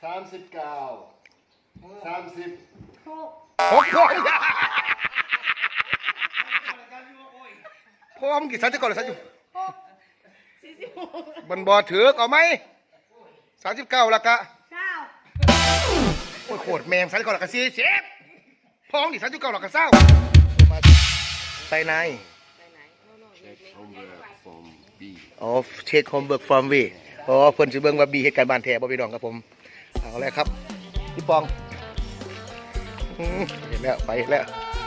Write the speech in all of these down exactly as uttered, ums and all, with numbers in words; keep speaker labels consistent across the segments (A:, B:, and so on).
A: สามสิบเก้าสามสิบ
B: หก
C: หกพ่อพ่อมึงกี่สันจะก่อนหรือสันอยู่
B: หกสี่สิบหก
C: บันบอถือเอาไหมสามสิบเก้าละกะ
B: เก้า
C: โอ้ยโคตรแมงสันก่อนละกะสี่สิบพ่อมึงกี่สันจะก่อนละกะเศร้าใส่ใน อ๋อเช็คโฮมเบิร์กฟอร์มวีอ๋อเพิ่นสิเบิ่งว่าบีเหตุการณ์บ้านแท้บ่พี่น้องครับผมเอาแล้วครับพี่ปองอืมเห็นแล้วไปแล้ว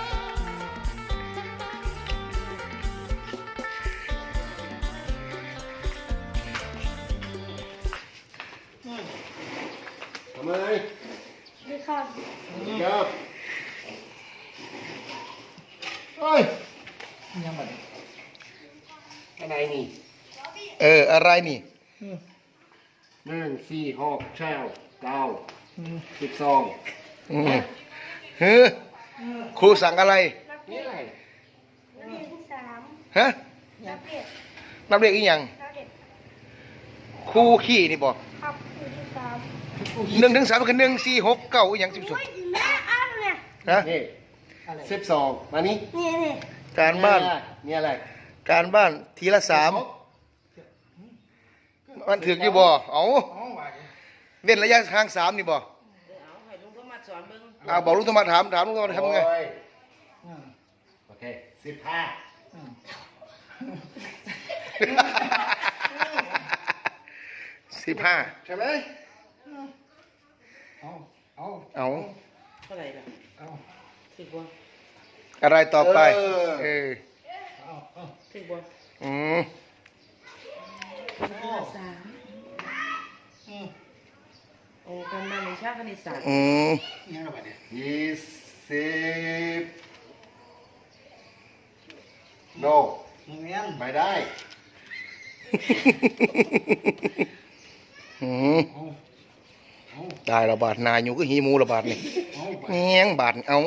A: ทำไม
B: ดีครับ
A: ครับเฮ้ยยังไงอะไรนี่
C: เอออะไรนี่
A: หนึ่งสี่หกเช้าเก้าสิบสอง
C: อืมเฮ้อครูสั่งอะไร
A: นี่อะไร
B: นักเรียนที่สาม
C: ฮะ
B: นักเรียน
C: นับเลขอีหยัง
B: นักเรียน
C: ครูขี้นี่บ่
B: ครับคือที่สาม
C: หนึ่งถึงสามคือหนึ่งสี่หกเก้าอีหยังสิบสอง
B: โอ้ยแม่อ่านเนี่ย
C: ฮะ
A: นี่สิบสองมานี่
B: นี่นี่
C: การบ้าน
A: นี่อะไร
C: การบ้านทีละสามมันถึกอยู่บ่เอาเว้นระยะทางสามนี่บ่
D: เอาให้ลุงก็มาสอนเบิ่ง
C: อ่าบอกลุงโทรมาถามถามลุงโทรมาทำไง
A: โอ้ยโอเคสิบห้า
C: สิบห้า
A: ใช่ไหม
C: เอา
D: เท่าไหร่ล่ะถึกบ่
C: อะไรต่อไปเออ
D: ถึกบ่
C: อืม
D: สามโอ้การบ้านวิชาคณิตศาสตร์
C: อืม
A: ยี่สิบโนไม่ได้
C: อืมได้ระบาดนายอยู่ก็หีหมูระบาดนี่แงงบาดเอา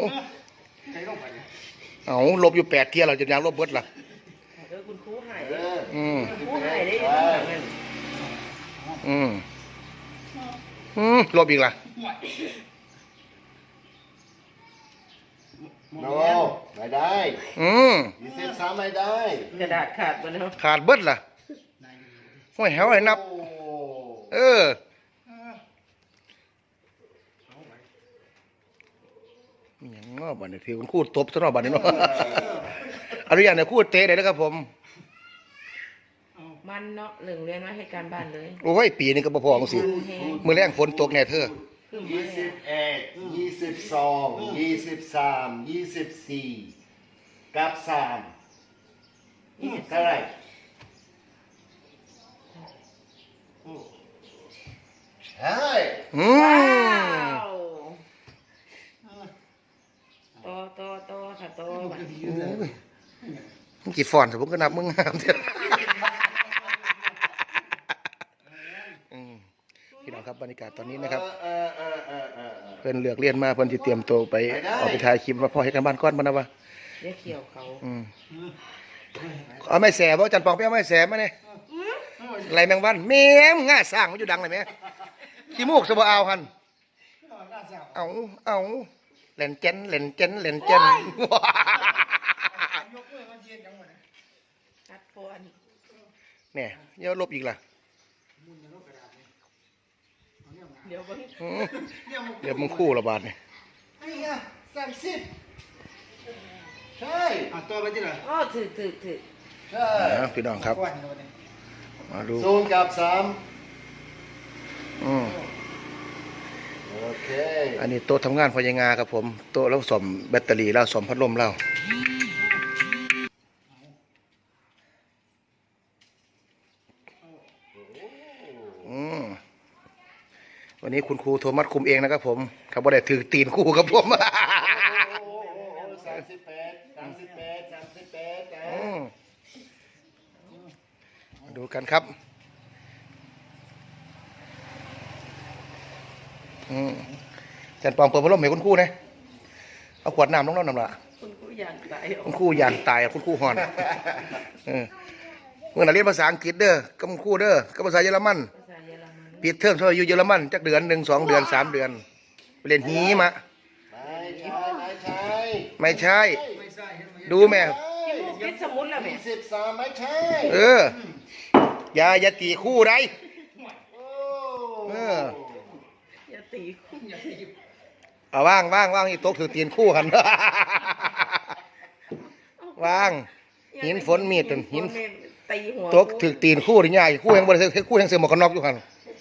C: เอาลบอยู่แปดเที่ยเราจะยังลบเบิดล่ะ
D: เออคุณครูให้
A: เออ
C: อืม
D: ครูให้ได้ยังไงนั่น
C: อืมอืมลบอีกล่ะ
A: โนไม่ได้
C: อืม
A: ยี่สิบสามไม่ได้
D: กระดาษขาดบ่เนาะ
C: ขาดเบิดล่ะห้อยแหวให้นับ
A: โอ้
C: เออมีหยังเนาะบัดนี้ถือคุณครูตบซะเนาะบัดนี้เนาะ อนุญาตให้ครูเตะได้นะครับผม
D: มันเนาะหนึ่งเรียนมาให้การบ้านเลย
C: โอ้ยปีนึงก็บ่พอจังซี่มื้อแรงฝนตกแน่เธอ
D: คือมา
A: ยี่
D: แล้
A: สิ
D: ว
A: บเอ็ดยี่สิบสองยี่สิบสามยี่สิบสี่กับสามเท่าไหร่ใช่
C: อื
D: ว้าม วต่อต่อต่อค่ะต่อบัด
C: มึงกี่ฟอนต์ผมก็นับมึงงามเถอะอืมพี่น้องครับบรรยากาศตอนนี้นะครับ
A: เออเออเออเออเออ
C: เพิ่นเลือกเรียนมาเพิ่นสิเตรียมตัวไปออกไปถ่ายคลิปว่าพ่อให้กันบ้านก้อนบ่นะวะ
D: เดี๋ยวเขียวเขา
C: อืมเอาไม้แสบ่จันปองไปเอาไม้แสมาเนี่ยไรแมงวันแม่มง่าสร้างมันอยู่ดังเลยแม่ขี้มูกสบ่เอาหั่นเอาเอาเล่นเจนเล่นเจนเล่นเจน
D: คัดฟอน
C: เนี่ยเยอะลบอีกล่ะ
D: เดี๋ยวเบิ่ง
C: อืมเดี๋ยวมึงคู่ระบาดเนี่ย
A: ไอ้ยะสามสิบใช่อ่ะตัวไปที่ไหน
D: อ๋อถึกถึกถึก
A: ใช่
C: นะพี่น้องครับมาดู
A: ศูนย์กับสาม
C: อืม
A: โอเค
C: อันนี้โต๊ะทำงานพยางาครับผมโต๊ะแล้วสมแบตเตอรี่แล้วสมพัดลมแล้วอืมวันนี้คุณครูโทมัสคุมเองนะครับผมถ้าบ่ได้ถือตีนครูครับผม
A: สามสิบแปดสามสิบแปดสามสิบแปดนะ
C: อืมมาดูกันครับอืมจันปองเปิดพัดลมให้คุณครูนะเอาขวดน้ำลงน้ำน้ำละ
D: คุณครูอยากตาย
C: คุณครูยานตายอะคุณครูหอนเออเมื่อไหร่เรียนภาษาอังกฤษเด้อกับคุณครูเด้อกับภาษาเยอรมัน
D: ภาษาเยอรมัน
C: ปิดเทอมชอบอยู่เยอรมันจักเดือนหนึ่งสองเดือนสามเดือนไปเรียนหีมะ
A: ไม่ใช่ ไม่ใช่
C: ไม่ใช่ ดูแม่
D: คิดสมุนแล้วแม่
A: ยี่สิบสามไม่ใช่
C: เอออย่าอย่าตีคู่ไร
A: โอ้
C: เออ
D: อย่าตีคู่อย่าตี
C: เอาว่างว่างว่างอีกตกถือตีนคู่กัน ว่างหินฝนมีดหิน
D: ตีหัว
C: ตกถือตีนคู่หรือไงคู่ยังบริเวณคู่ยังเสือหมวกกันน็อกอยู่หัน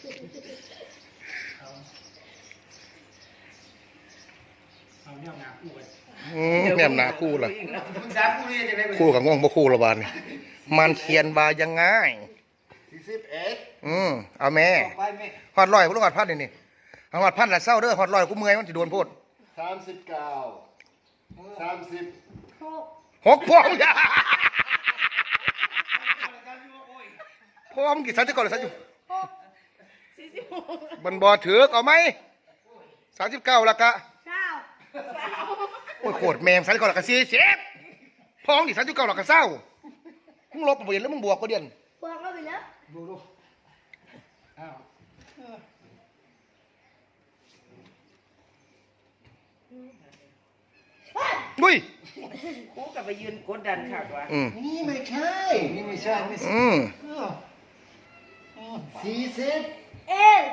E: เอาเนี่ยหนาคู่กัน
C: อืมแม่มหนาคู่ล่ะ
E: มึงสามคู่นี่จะได้ไป
C: คู่กับง่วงบ่คู่ละบาดนี่มันเขียนว่ายังไง
A: สี่สิบเอ็ด
C: อืมเอาแม่
E: ไปแม่
C: ฮอดร้อยบ่ต้องฮอดพันนี่นี่เอาฮอดพันละเศร้าเด้อฮอดร้อยกูเมื่อยมันสิโดนโพด
A: สามสิบเก้าสามสิบ
B: หก
C: หกพวงอย่าพวงกี่สันจะก่อนเลยสันอยู่
D: สี่สิบหก
C: มันบ่ถือกเอาไหมสามสิบเก้าละกะ
B: เก้า
C: โอ้ยโคตรแมงสันก่อนละกะสี่สิบพวงกี่สันจะเก้าละกะเศร้ามึงลบบ่เห็นแล้วมึงบวกก็เดียน
B: บวกเราไปแล้ว
E: ดูดูอ้าว
C: ดุย
D: คู่กับไปยืนกดดันขากว่า
C: อืม
A: นี่ไม่ใช่
E: นี่ไม่ใช่ไม่ใช่
C: อืม
E: เออเออ
A: สี่สิบ
B: เอ็น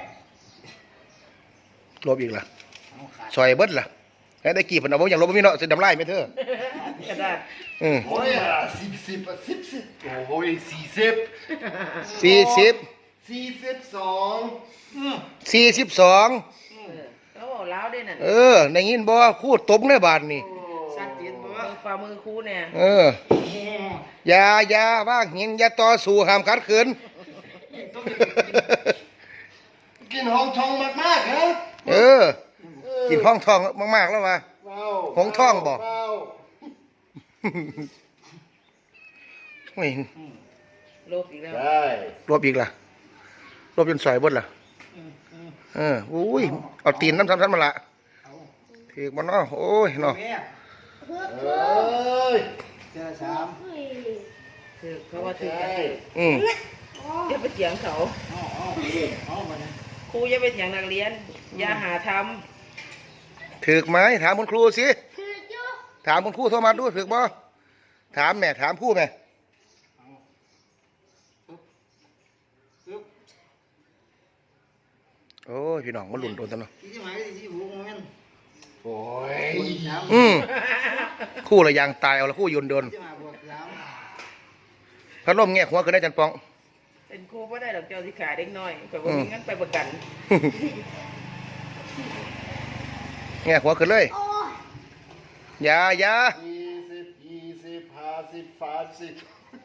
C: ลบอีกล่ะ
E: เอาขาด
C: ซอยเบิดล่ะแล้วได้กี่พันเอาบ่อย่างลบบ่มีเนาะสิดำลายไหมเธอก
D: ระดาษ
C: อืม
A: โอ้ยอ่ะสิบสิบอ่ะสิบสิบโอ้ยสี่สิบ
C: สี่สิบ
A: สี่สิบสอง
E: เออ
C: สี่สิบสอง
D: เออแล้วบอกล้าวด้วยนั่น
C: เออได้ยินบ่คูดตบในบาทนี่
E: ชัดเจนบ่
D: มือฝ่ามือคู่เนี่ย
C: เอออย่าอย่าว่างหินอย่าต่อสู้ห้ามขัดขืน
A: กินห้องทองมากๆฮะ
C: เออ กินห้องทองมากๆแล้วว่ะ
A: ว้าว
C: ห้องทองบอก
A: ว้าว
C: ไม่
D: โลบอีกแล้ว
A: ได้
C: รวบอีกล่ะรวบจนซอยเบดล่ะ
E: อืมอืม
C: เอออุ้ยเอาตีนน้ำซ้ำๆมาละ
E: เอา
C: ถือมันเนาะโอ้ยเนาะ
E: แม่
B: เพื่อ
A: เอ
B: เพื่อ้
A: ย
E: เจอสาม
B: เฮ้ย
D: ถือเขาว่าถือกัน
A: ใช่
C: อืม
B: อ๋อ
D: อย่าไปเถียงเขา
E: เอาเอาเอามาเนี่ย
D: ครูอย่าไปเถียงนักเรียน อย่าหาท
C: ถือไหมถามคุณครูสิ
B: คือจุ๊
C: ถามคุณครูโทรมาดูถือบ่ถามแม่ถามครูแม่
E: เอาปึ๊บปึ๊บ
C: โอ้ยพี่น้องมันหลุนโดนจังเนาะ
E: ที่ที่หมายที่ที่หูมัน
A: โอ้ย
E: สาม
C: อืมคู่ละยางตายเอาละคู่ยนต์โดน
E: ที่มาบวกสาม
C: พัดลมแง่หัวขึ้นได้จันปอง
D: ำเป็นครูก็ได้ดอกเจ้าที่ขาเด็กน้อยแต่ว่ามีงั้นไปประกัน
C: แง่หัวขึ้นเลย
B: โอ้ย
C: อย่าอย่า
A: ยี่สิบยี่สิบห้าสิบสามสิบ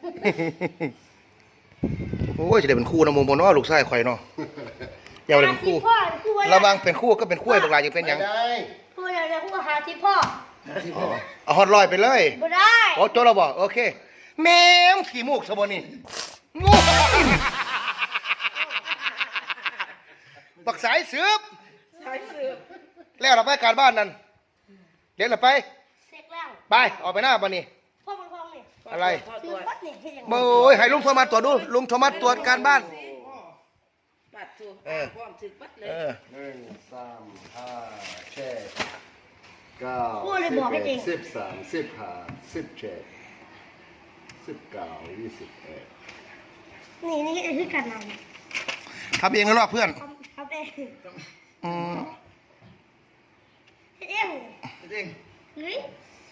C: โอ้ยจะได้เป็นคู่นะโมโมเนาะลูกชายข่อยเนาะอย่าเอาเลยเป็นคู่
B: พ่อคู่อะไร
C: ระวังเป็นคู่ก็เป็นคู่ไอ้บักหลายจะเป็นหยัง
A: ไม่ได้
B: คู่อะไรนะคู่หาที่พ่อ
E: ที่
C: อ๋อเอาฮอตลอยไปเลย
B: บ่ได้
C: โอ้โจเราบอกโอเคแม่มขี้มูกสบนี่งูปักสายสืบ
D: ใช่สืบ
C: แล้วเราไปการบ้านนั่นเดี๋ยวเราไป
B: เสร็จแล้ว
C: ไปออกไปหน้าบ้านนี่
B: พ่อมันพ่อนี่
C: อะไร
B: คือ
D: ตัว
B: วัดนี่เฮ็ดยังไง
C: โอ้ยให้ลุงโทรมาตรวจดูลุงโทรมาตรวจการบ้าน
D: ปัดตัว
C: เออ
D: พร้อมถึกปัดเลย
C: เออ
A: หนึ่งสามห้าเจ็ดเก้า
B: คู่เลยบอกให้เอง
A: สิบสามสิบห้าสิบเจ็ดสิบเก้ายี่สิบเอ็ด
B: นี่นี่คือการน
C: ทำเองแล้วรอบเพื่อน
B: ำทำทำเอง
C: อืม
B: เฮ็ดเอง
E: เด้ง
B: เฮ้ย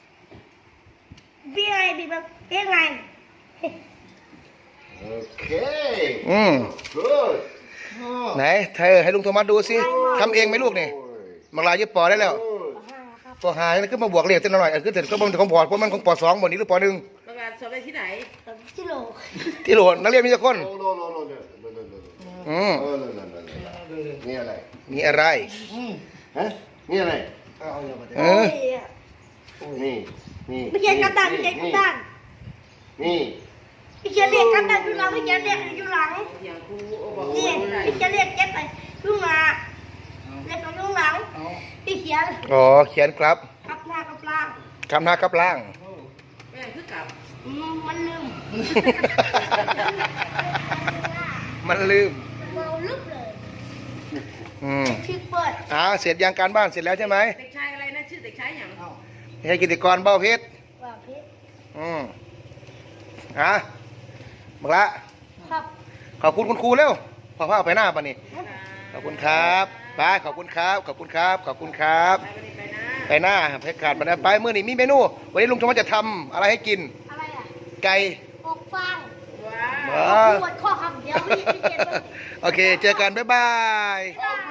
B: บีอะไรบีแบบเองไง
A: โอเค
C: อืม
A: good
C: ไหนเธอให้ลุงโทรมาดูสิทำเองไหมลูกนี่บักหลายยึดปอได้แล้ว
A: good
B: ห้าครับ
C: ตัวหายแล้วขึ้นมาบวกเลขเส้นหน่อยอันขึ้นเสร็จก็มันของปอดเพราะมันของปอสองบนนี้หรือปอหนึ่ง
D: ประกาศสอบได้ที่ไหน
B: ตกิโล
C: ที่โหลนักเรียนมีแต่คน
A: no no no no no no no no
C: อืม
A: no no no no no นี่อะไร
C: มีอะไร
E: อืม
A: ฮะนี่อะไร
E: เอาเอาอย่างมาเด้
C: เอ
B: โอ้
C: อ
B: ย
A: นี่นี่
B: ไม่เขียนกันดันไม่เขียนกันดัน
A: นี่
B: ไม่เขียนเรียกกันดันอยู่หลังไม่เขียนเรียกอยู่หลัง
D: เถียงครูโอ้บอก
B: นี่
D: ว่าได้
B: ไม่เขียนเรียกเก็บไปยุ่งหน้าเรียกกับยุ่งหลัง
E: เอา
B: พี่เขียน
C: อ๋อเขียนครับ
B: กับหน้ากับล่าง
C: คำหน้ากับล่าง
E: โอ้
D: แม่งคือกลับ
B: อืมมันลืม
C: มันลืม
B: เมาลึกเลย
C: ออืม
B: พริกเปิด
C: อ่าเสร็จยังการบ้านเสร็จแล้วใช่ไหม
D: เด็กชายอะไรนะชื่อเด็กชายอย่าง
E: เอ้า
C: ให้กิติกรเบ้าเพชร
B: ว่าพริก
C: อืมอ่ะบักละ
B: ครับ
C: ขอบคุณคุณครูเร็วพอพาไปหน้าป่ะนี่ขอบคุณครับไปขอบคุณครับขอบคุณครับขอบคุณครับ
D: ไปวันนี้ไปนะ
C: ไปหน้าเพชรขาดไปนะไปเมื่อนี้มีเมนู วันนี้ลุงชมว่าจะทำอะไรให้กิน
B: อะไรอ่ะ
C: ไก่
B: อกฟาง
D: ว้าว
C: ว้า
B: ปวดข้อคำเดียวพี่พี่เก็บไว้
C: โอเค เจอกัน บ๊ายบาย
B: ได้